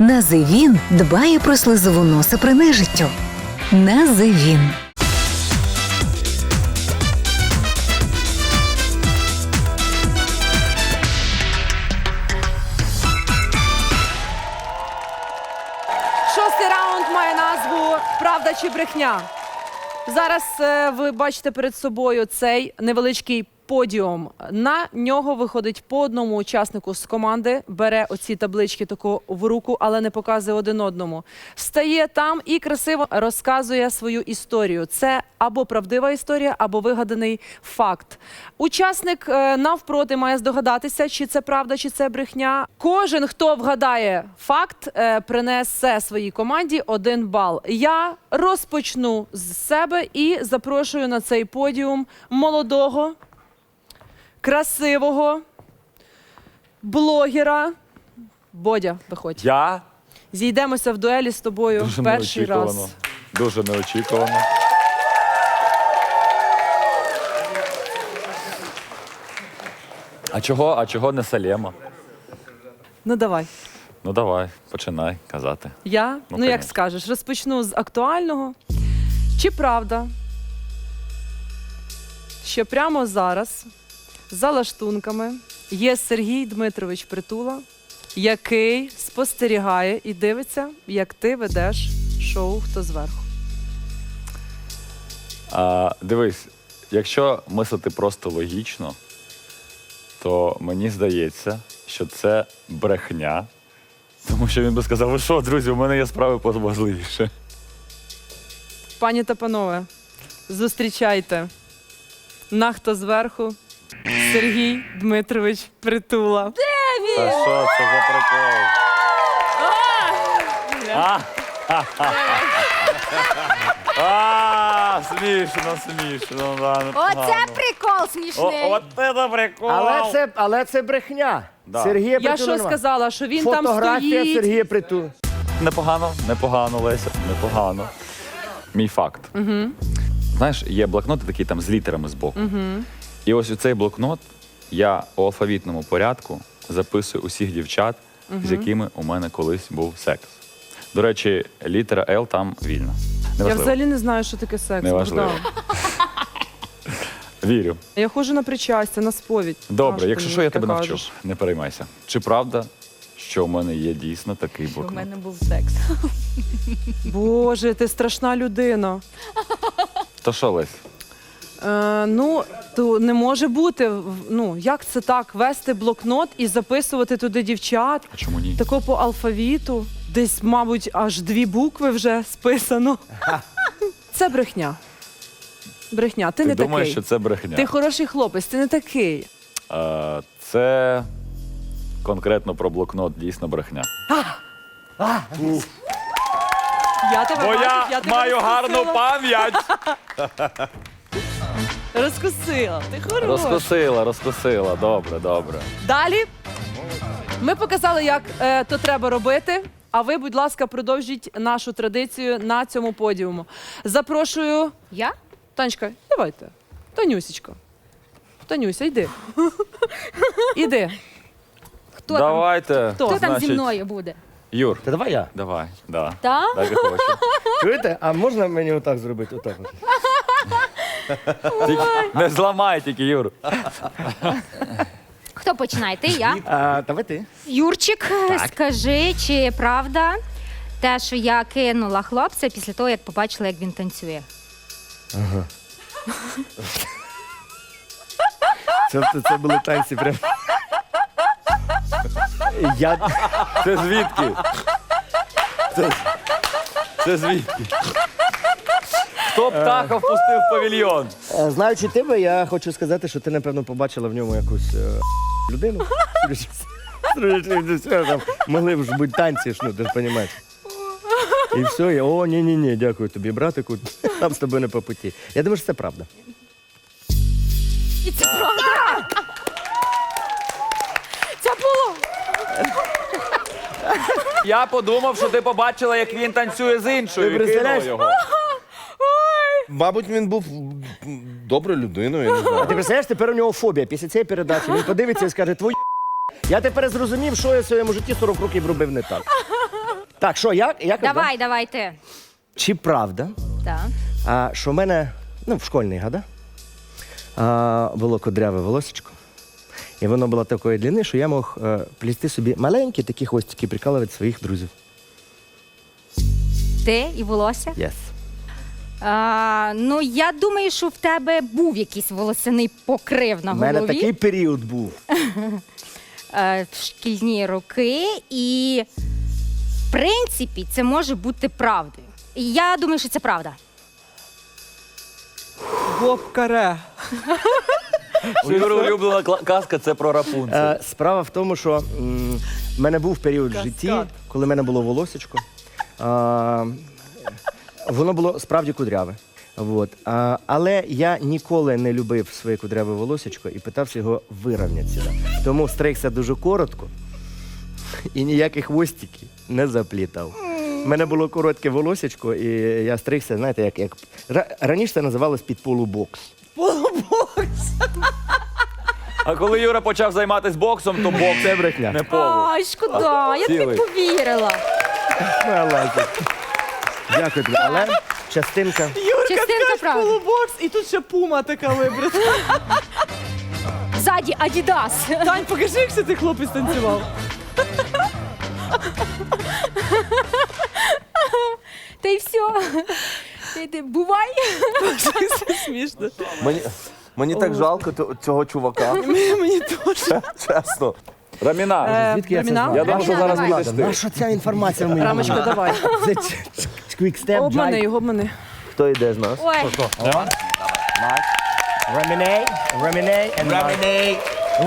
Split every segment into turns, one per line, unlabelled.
Називін дбає про слизову носа при нежиттю. Називін.
Шостий раунд має назву «Правда чи брехня?». Зараз ви бачите перед собою цей невеличкий подіум. На нього виходить по одному учаснику з команди, бере оці таблички таку в руку, але не показує один одному. Стає там і красиво розказує свою історію. Це або правдива історія, або вигаданий факт. Учасник навпроти має здогадатися, чи це правда, чи це брехня. Кожен, хто вгадає факт, принесе своїй команді 1 бал. Я розпочну з себе і запрошую на цей подіум молодого, красивого блогера. Бодя, виходь.
Я?
Зійдемося в дуелі з тобою
Дуже
перший
неочікувано.
раз.
Дуже неочікувано. А чого не Салема?
Ну давай.
Ну давай, починай казати.
Я?
Ну,
Ну, як
конечно.
скажеш. Розпочну з актуального. Чи правда, що прямо зараз за лаштунками є Сергій Дмитрович Притула, який спостерігає і дивиться, як ти ведеш шоу «Хто зверху»?
Дивись, якщо мислити просто логічно, то мені здається, що це брехня. Тому що він би сказав, ви що, друзі, у мене є справи поважливіше.
Пані та панове, зустрічайте на «Хто зверху» Сергій Дмитрович Притула.
Та що це за прикол? Смішно, смішно.
Оце прикол смішний.
От це прикол.
Але це брехня.
Да.
Сергія
Я
Притула
що
нема.
сказала, що він там
Фотографія
стоїть?
Сергія Притула.
Непогано, Леся, непогано. Мій факт. Знаєш, є блокноти такі там з літерами збоку. І ось у цей блокнот я у алфавітному порядку записую усіх дівчат, з якими у мене колись був секс. До речі, літера Л там вільна.
Я
Неважливо.
взагалі не знаю, що таке секс.
Неважливо.
Богдан.
Вірю.
Я ходжу на причастя, на сповідь.
Добре,
Важко
якщо
мені
що, я
таке
тебе навчу.
кажеш.
Не переймайся. Чи правда, що у мене є дійсно такий
У
блокнот?
мене був секс.
Боже, ти страшна людина.
То що, Лесь?
Ну, то не може бути. Ну, як це так? Вести блокнот і записувати туди дівчат?
А чому ні?
Тако по алфавіту. Десь, мабуть, аж 2 букви вже списано. Це брехня. Брехня. Ти не
думаєш,
такий.
що це брехня?
Ти хороший хлопець, ти не такий.
Це конкретно про блокнот дійсно брехня.
Я тебе
Бо
бачу,
я
тебе
маю гарну
розкусила.
пам'ять.
Розкусила. Ти хороший.
Розкусила. Добре.
Далі ми показали, як то треба робити. А ви, будь ласка, продовжіть нашу традицію на цьому подіуму. Запрошую.
Я?
Танечка, давайте. Танюся, йди. Іди.
Хто там?
Давайте.
Хто?
Хто там
значить,
зі мною буде?
Юр,
Та давай я.
давай. Да.
Так?
Так і хочу.
Чуєте? А можна мені отак зробити? Отак.
Не зламай тільки, Юр.
Хто починає? Ти, я?
Давай ти.
Юрчик, скажи, чи правда те, що я кинула хлопця після того, як побачила, як він танцює?
Це були танці прям.
Це звідки? Це звідки? Хто птаха впустив в павільйон?
Знаючи тебе, я хочу сказати, що ти, напевно, побачила в ньому якусь людину. Там могли б ж бути танці, ну, ти ж розумієш. І все, я, ні, дякую тобі, братику, нам з тобою не по путі. Я думаю, що це правда.
І це правда? Це було!
Я подумав, що ти побачила, як він танцює з іншою.
Ти
і
представляєш?
кинула його.
Мабуть, він був доброю людиною, я не знаю.
А ти представляєш, тепер у нього фобія. Після цієї передачі він подивиться і скаже, твою я тепер зрозумів, що я в своєму житті 40 років робив не так. Так, що, як?
Давай ти.
Чи правда,
Так.
що в мене, в школьні года, було кудряве волосечко, і воно було такої длини, що я мог плести собі маленькі такі хвостики, прикалувати своїх друзів.
Ти і волосся?
Yes.
Ну, я думаю, що в тебе був якийсь волосяний покрив на
У
голові.
мене такий період був.
В шкільні роки, і в принципі це може бути правдою. І я думаю, що це правда.
Боб Каре.
У Юри улюблена казка – це про Рапунцель.
Справа в тому, що в мене був період в
Каскад.
житті, коли в мене було волосечко. Воно було справді кудряве. Вот. Але я ніколи не любив своє кудряве волосечко і питався його вирівняти. Тому стригся дуже коротко і ніяких хвостиків не заплітав. У мене було коротке волосечко, і я стригся, знаєте, як... Раніше це називалось під полубокс.
А коли Юра почав займатися боксом, то бокс
Це брехня.
не полу.
Ай, шкода, я тобі
Цілий.
повірила.
Дякую тобі. Але частинка...
Частинка правди.
Полубокс, і тут ще пума така вибрита.
Ззаді Адідас.
Тань, покажи, як це цей хлопець танцював.
Та й все. Ти бувай.
Це смішно.
Мені так жалко цього чувака.
Мені теж.
Чесно.
Раміна,
Звідки я це
Раміна?
знаю?
я думаю, що зараз
давай.
підеш ти.
Наша ця інформація в мені?
Рамочка, давай.
Це quick step,
Обмани
jive.
його, обмани.
Хто йде з нас?
Ой,
Раміней and Mark.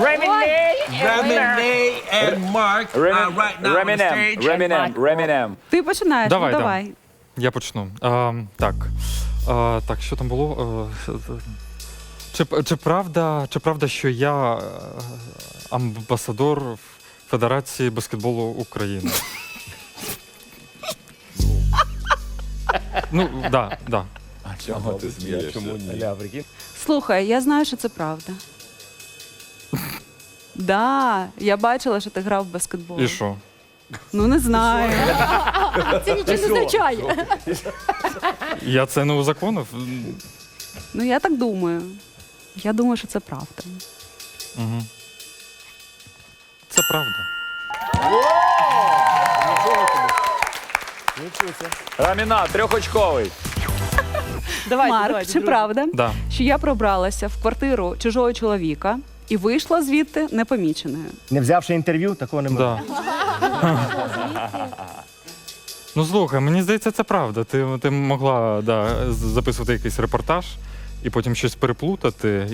Renee and Mark are right now on the stage.
Ремінем.
Ти починаєш,
Давай,
ну
да.
давай.
Я почну. Так, що там було? Чи правда, що я амбасадор Федерації баскетболу України? Ну, да.
Чому ти смієшся?
Слухай, я знаю, що це правда. Да, я бачила, що ти грав в баскетбол.
І що?
Ну не знаю.
це нічого не означає.
Я це не узаконив?
Ну я так думаю. Я думаю, що це правда.
Угу. Це правда.
Раміна, трьохочковий.
Давай,
Марк,
давай,
чи
друже.
правда,
Да.
що я пробралася в квартиру чужого чоловіка і вийшла звідти непоміченою?
Не взявши інтерв'ю, такого не можна.
Да. Ну слухай, мені здається, це правда. Ти могла записувати якийсь репортаж і потім щось переплутати,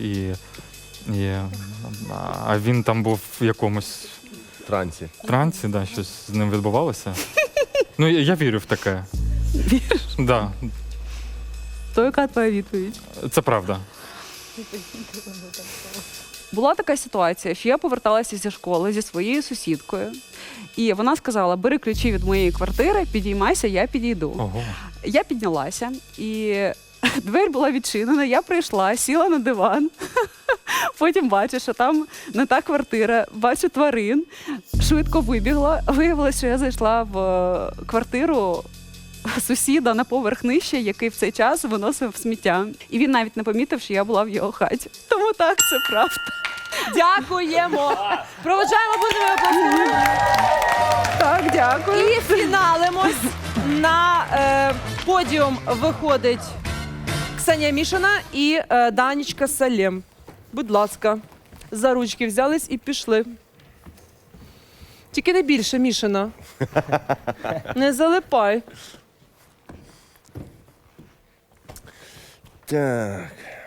а він там був в якомусь
Трансі.
трансі, щось з ним відбувалося. Ну, я вірю в таке.
Віриш?
Да,
То яка твоя відповідь?
це правда.
Була така ситуація, що я поверталася зі школи зі своєю сусідкою, і вона сказала: бери ключі від моєї квартири, підіймайся, я підійду.
Ого.
Я піднялася, і двері була відчинена, я прийшла, сіла на диван, потім бачу, що там не та квартира, бачу тварин, швидко вибігла. Виявилося, що я зайшла в квартиру сусіда на поверх нижче, який в цей час виносив сміття. І він навіть не помітив, що я була в його хаті. Тому так, це правда.
Дякуємо. Проведжаємо будемо аплодисментами.
Так, дякую.
І фіналимось. На подіум виходить Ксенія Мішина і Данічка Салєм. Будь ласка, за ручки взялись і пішли. Тільки не більше, Мішина. Не залипай.
Так.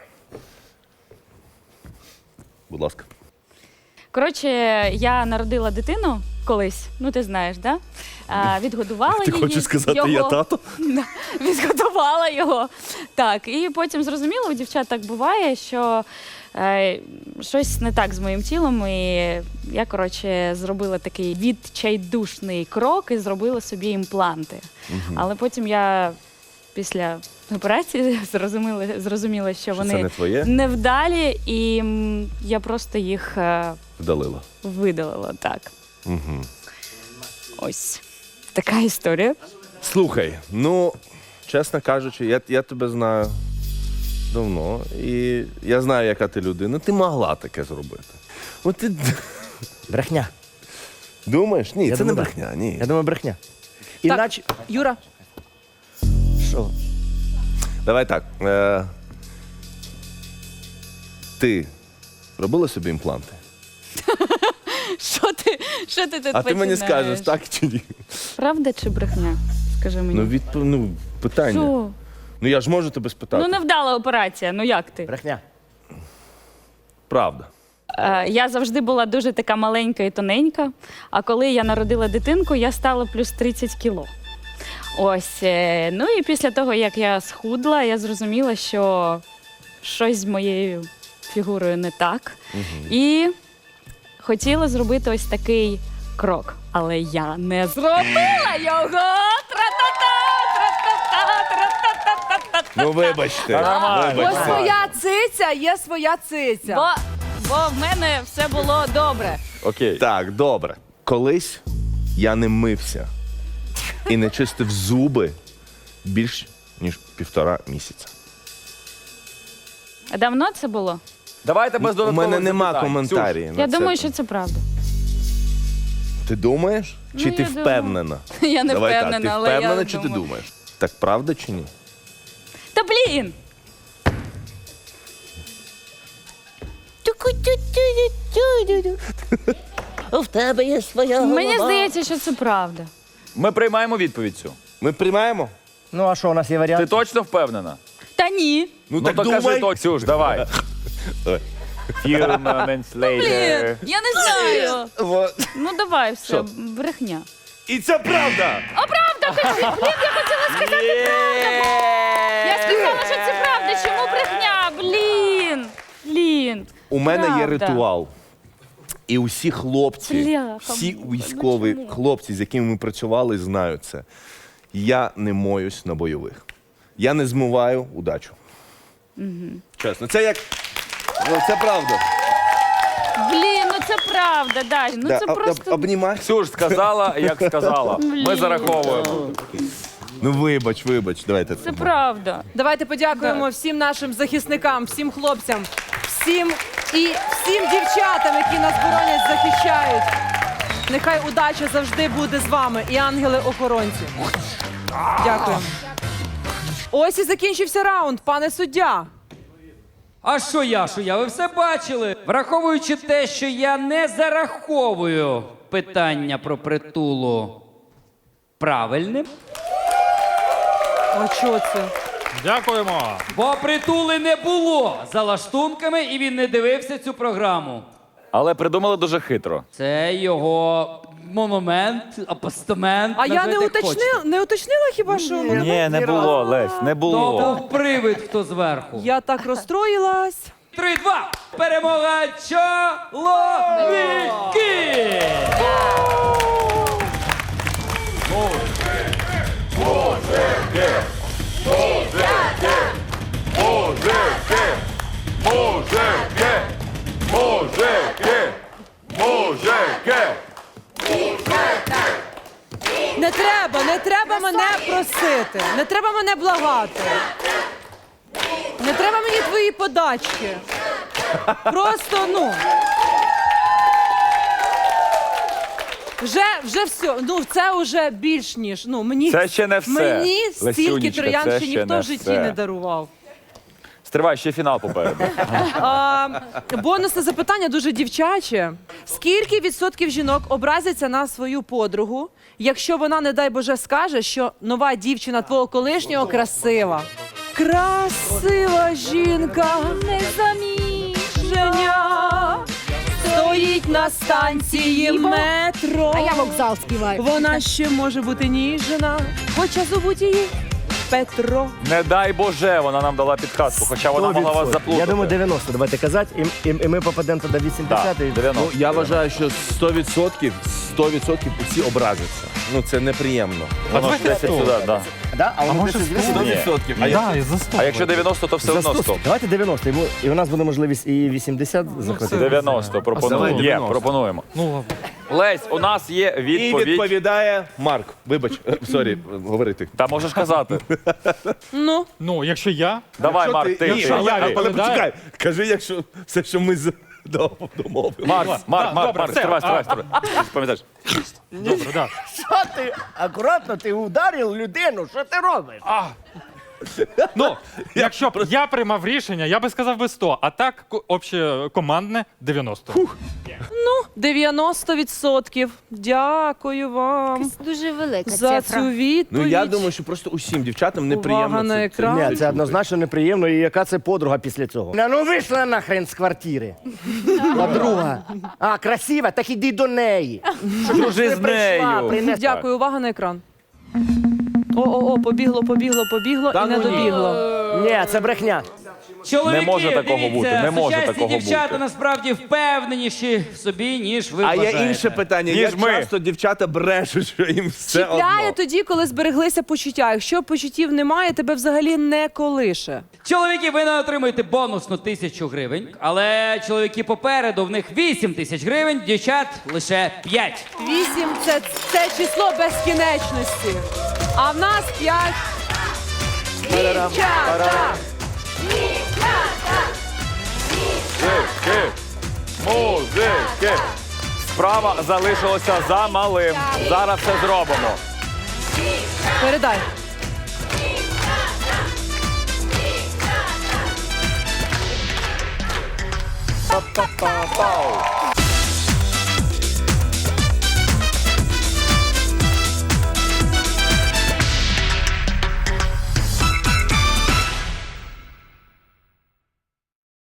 Будь ласка.
Коротше, я народила дитину колись, ну ти знаєш, да? Відгодувала
Ти
її.
хочеш сказати, я тато?
Відгодувала його. Так, і потім зрозуміло, у дівчат так буває, що щось не так з моїм тілом, і я, коротше, зробила такий відчайдушний крок і зробила собі імпланти. Але потім я після операції зрозуміла, що
Що це
вони
не твоє?
невдалі, і я просто їх
Вдалила.
видалила, так.
Угу.
Ось. така історія.
Слухай, ну, чесно кажучи, я тебе знаю давно, і я знаю, яка ти людина. Ти могла таке зробити. От ти
Брехня.
думаєш? Ні,
Я
це не
думаю,
брехня, ні.
Я думаю, брехня.
Так,
Іначе.
Юра,
Що?
Давай так. Ти робила собі імпланти?
Що ти тут
А ти мені
починаєш?
скажеш, так чи ні?
Правда чи брехня? Скажи мені.
Питання.
Що?
Ну я ж можу тебе спитати.
Ну, невдала операція, ну як ти?
Брехня.
Правда.
Я завжди була дуже така маленька і тоненька, а коли я народила дитинку, я стала плюс 30 кіло. Ось, ну і після того, як я схудла, я зрозуміла, що щось з моєю фігурою не так. І хотіла зробити ось такий крок. Але я не зробила його! Тра-та-та, тра-та-та, тра-та-та-та-та.
Ну вибачте.
бо
Вибачте.
своя циця є своя циця.
Бо в мене все було добре.
Окей.
Так, добре. Колись я не мився і не чистив зуби більш ніж 1,5 місяця.
А давно це було?
Давайте без
У
додаткових
мене нема
запитань.
коментарів. на
Я
це.
думаю, що це правда.
Ти думаєш? Чи
Ну,
ти
я думаю.
впевнена?
Я не
Давай
впевнена,
так, ти
але я
впевнена, чи
думаю.
ти думаєш? Так правда чи ні?
Та блін!
В тебе є своя
Мені здається, що це правда.
Ми приймаємо відповідь цю.
Ми приймаємо?
Ну, а що у нас є
Ти
варіант?
точно впевнена?
Та ні.
Ну,
Ну
так
то
думай.
кажи то, Ксюш, давай.
Давай.
Few moments later.
Я не знаю. Ну давай, все,
Що?
брехня.
І це правда!
Я сказала, що це правда. Чому брехня? Блін.
У мене є
Правда.
ритуал. І усі хлопці,
Бляха,
всі
ну
військові
чому?
хлопці, з якими ми працювали, знають це. Я не моюсь на бойових. Я не змиваю удачу. Чесно, це як. Ну, це правда.
Блін, ну це правда, Даш. Ну
Да,
це просто.
обнімай.
Ксюш сказала, як сказала. Ми
Блін.
зараховуємо.
Ну вибач, давайте.
Це правда.
Давайте подякуємо всім нашим захисникам, всім хлопцям, всім дівчатам, які нас боронять, захищають. Нехай удача завжди буде з вами і ангели-охоронці. Дякую. Ось і закінчився раунд, пане суддя.
А що я? Ви все бачили? Враховуючи те, що я не зараховую питання про притулу правильним,
А що це?
Дякуємо.
бо притули не було за лаштунками, і він не дивився цю програму.
Але придумали дуже хитро.
Це його монумент, апостамент.
А я
називайте, як хочете.
не уточнила хіба що?
Ні, не було, Лесь, не
То
було.
був привид, хто зверху.
Я так розстроїлась.
3-2. Перемога чоловіки!
Не треба мене просити, не треба мене благати. Не треба мені твої подачки. Просто, ну. Вже все. Ну, це вже більш ніж. Ну, мені,
Це ще не все.
Мені стільки
Лесюнечка,
троян
це
ще
ще
ніхто
не
в житті
все.
не дарував.
Стривай, ще фінал попереду.
Бонусне запитання дуже дівчаче. Скільки відсотків жінок образяться на свою подругу, якщо вона, не дай Боже, скаже, що нова дівчина твого колишнього красива? Красива жінка, незаміжня, стоїть на станції метро.
А я вокзал співаю.
Вона ще може бути ніжна, хоча зовуть її Петро.
Не дай Боже, вона нам дала підказку, хоча вона могла вас
100%.
заплутати.
Я думаю, 90, давайте казати, і ми попадемо туди 80.
Так,
і...
90.
Ну, я вважаю, що 100% усі образяться. Ну, це неприємно.
Воно ж 10 сюди, да.
Да? А воно
може
10
100?
Ні.
Да, і за 100.
А якщо 90, то все
За
одно
100.
100.
Давайте 90, і у нас буде можливість і 80 захватити.
90, пропонуємо.
Давай
Є,
90.
пропонуємо.
Ну ладно.
Лесь, у нас є
І
відповідь.
відповідає Марк. Вибач, сорі, говори ти.
Та можеш казати.
Ну,
Ну, якщо я,
Давай, Марк, ти.
Ні,
Якщо я
але
відповідаю-
почекай. Кажи, якщо все, що ми домовили.
Марк,
все.
стривай. Пам'ятаєш?
добре, да.
Що ти? Акуратно, ти ударив людину, що ти робиш?
Ну, якщо б я приймав рішення, я би сказав би 100, а так обще командне 90.
90%. Дякую вам
Дуже велика
за
цифра.
цю відповідь.
Ну я думаю, що просто усім дівчатам неприємно.
Увага на екран.
Ні, це однозначно неприємно, і яка це подруга після цього? Ну вийшла нахрен з квартири. Подруга. А, красива, так іди до неї.
Дружи з нею.
Дякую, увага на екран. О, побігло
Та
і не
ну ні.
добігло.
Ні, це брехня.
Чоловіки,
Не може такого
дивіться,
бути, не може
сучасні
такого
дівчата
бути.
насправді впевненіші в собі, ніж ви
А є
вважаєте.
інше питання.
Ніж
Як
ми.
часто дівчата брешуть, що їм все
Чіпляє
одно.
тоді, коли збереглися почуття. Якщо почуттів немає, тебе взагалі не колише.
Чоловіки, ви не отримуєте бонусну 1000 гривень, але чоловіки попереду, в них 8 тисяч гривень, дівчат лише 5.
8 – це число безкінечності. А в нас 5. Дівчата!
Музики. Справа залишилася за малим. Зараз все зробимо.
Передай.
Па-па-па-пау.